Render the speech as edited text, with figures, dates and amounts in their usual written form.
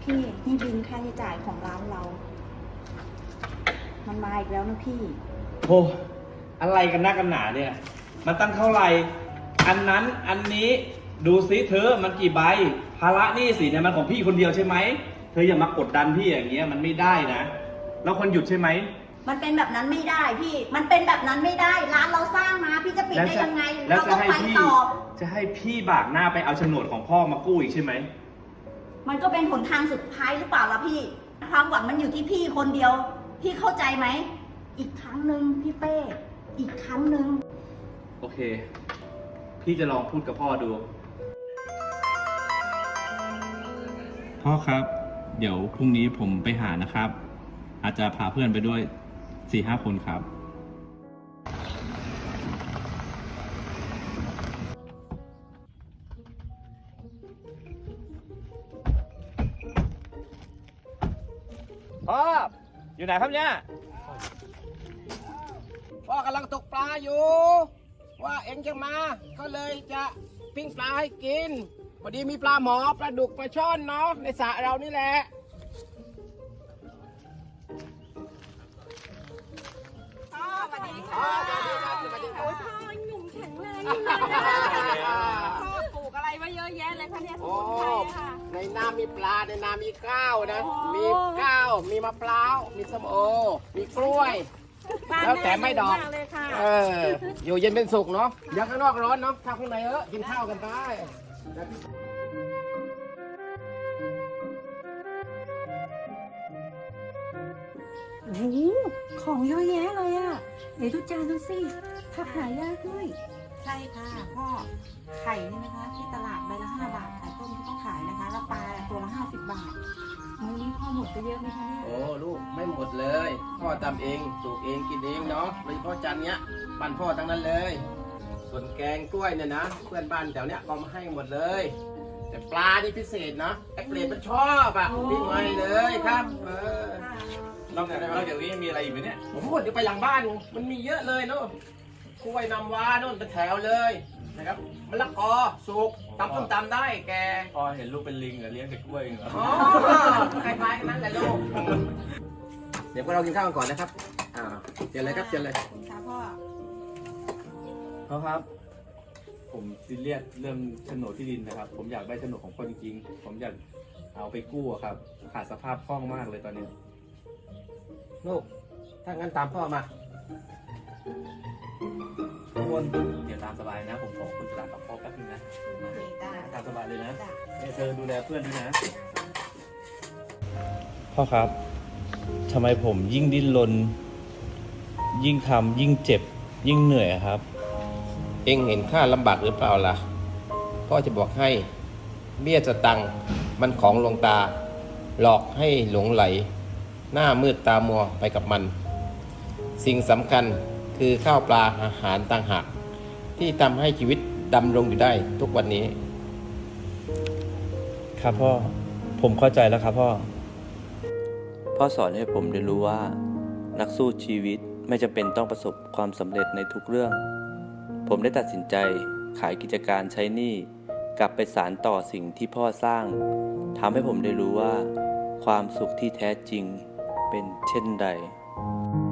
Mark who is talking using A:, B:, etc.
A: พี่นี่บินค่าใช้จ่ายของร้านเรา มันมาอีกแล้วนะพี่
B: โอ้อะไรกันนักกันหนาเนี่ยมันตั้งเท่าไหร่อันนั้นอันนี้ดูซิเธอมันกี่ใบภาระหนี้สินเนี่ยมันของพี่คนเดียวใช่ไหมเธออย่ามากดดันพี่อย่างเงี้ยมันไม่ได้นะแล้วคนหยุดใช่ไหม
A: มันเป็นแบบนั้นไม่ได้พี่ มันเป็นแบบนั้นไม่ได้ ร้านเราสร้างมาพี่จะปิดได้ยังไง เราต้องไปต่อ
B: จะให้พี่บากหน้าไปเอาโฉนดของพ่อมากู้อีกใช่ไหม
A: มันก็เป็นหนทางสุดท้ายหรือเปล่าล่ะพี่ ความหวังมันอยู่ที่พี่คนเดียว พี่เข้าใจไหม อีกครั้งหนึ่งพี่เป้ อีกครั้งหนึ่ง
B: โอเค พี่จะลองพูดกับพ่อดู พ่อครับ เดี๋ยวพรุ่งนี้ผมไปหานะครับ อาจจะพาเพื่อนไปด้วย 4-5 คนครับ พ่อ อยู่ไหนครับเนี่ย
C: พ่อกำลังตกปลาอยู่ ว่าเอ็งจะมา ก็เลยจะปิ้งปลาให้กิน พอดีมีปลาหมอปลาดุกปลาช่อนเนาะในสระเรานี่แหละพ่อสวัสดีค่ะสวัสดีค่ะ
D: โอ้ยพ่อยังหนุ่มแข็งแรงอยู่เลยพ่อปลูกอะไรไว้เยอะแยะเลยคะเนี่ยส
C: โอ้
D: มุนไพรอะค่ะ
C: ในน้ำมีปลาในน้ำมีข้าวนะ
D: โอ้
C: มีข้าวมีมะพร้าวมีส้มโอ มีกล้วย แล้วแต่ไม่ดอก
D: บ้านแม่เยอะมากเลยค่ะ
C: อยู่เย็นเป็นสุขเนาะเดี๋ยวข้างนอกร้อนเนาะเข้าข้างในกินข้าวกันไป
E: โอ้โหของเยอะแยะเลยอะเดี๋ยวดูจานดูสิผักหายากด้วย
A: ใช่ค่ะพ่อ ไข่นี่นะคะ ที่ตลาดใบละ5 บาท ไข่ต้มที่ต้องขายนะคะ แล้วปลาตัวละ50 บาทมื้อนี้พ่อหมดไปเยอะไหมคะเนี่ย
C: โอ้ลูกไม่หมดเลย พ่อทำเองปลูกเองกินเองเนาะโดยเฉพาะจานเนี้ยบ้านพ่อทั้งนั้นเลย ส่วนแกงกล้วยเนี่ยนะเพื่อนบ้านแถวเนี้ยก็มาให้หมดเลย แต่ปลานี่พิเศษนะแอปเปิลมันชอบอ่ะปิ้งไว้เลยครับ
B: นอกจากนี้มีอะไรอีกไหมเนี่ย
C: โอ้โหเดี๋ยวไปหลังบ้านมันมีเยอะเลยเนาะกล้วยน้ำว้าโน่นเป็นแถวเลยนะครับมะละกอสุกตำส้มตำได้แก
B: พ่อเห็นลูกเป็นลิงเลี้ยงแต่กล้วยเหรอ
C: อ๋อคล้ายๆกันนั่นแหละลูกเดี๋ยวพวกเรากินข้าวกันก่อนนะครับเจอเลยครับเจอเลย
A: ค่ะพ่อ
B: พ่อครับ ผมซีเรียสเรื่องโฉนดที่ดินนะครับ ผมอยากได้โฉนดของพ่อจริงๆ ผมอยากเอาไปกู้อะครับ ขาดสภาพคล่องมากเลยตอนนี้
C: ลูกถ้างั้นตามพ่อมา
B: ทุกคนเดี๋ยวตามสบายนะ ผมขอคุณตลาดกับพ่อแป๊บนึงนะ
A: โอเคจ้า
B: ตามสบายเลยนะ
A: จ้า
B: เนี่ยเธอดูแลเพื่อนด้วยนะ พ่อครับทำไมผมยิ่งดิ้นรนยิ่งทำยิ่งเจ็บ ยิ่งเหนื่อยครับ
C: เอ็งเห็นข้าลำบากหรือเปล่าล่ะพ่อจะบอกให้เบี้ยสตังค์มันของลวงตา หลอกให้หลงไหล หน้ามืดตามัวไปกับมัน สิ่งสำคัญคือข้าวปลาอาหารต่างหากที่ทำให้ชีวิตดำรงอยู่ได้ทุกวันนี้
B: ครับพ่อ ผมเข้าใจแล้วครับพ่อ
F: พ่อสอนให้ผมเรียนรู้ว่า นักสู้ชีวิตไม่จำเป็นต้องประสบความสำเร็จในทุกเรื่อง ผมได้ตัดสินใจขายกิจการใช้หนี้กลับไปสานต่อสิ่งที่พ่อสร้างทำให้ผมได้รู้ว่า ความสุขที่แท้จริงเป็นเช่นใด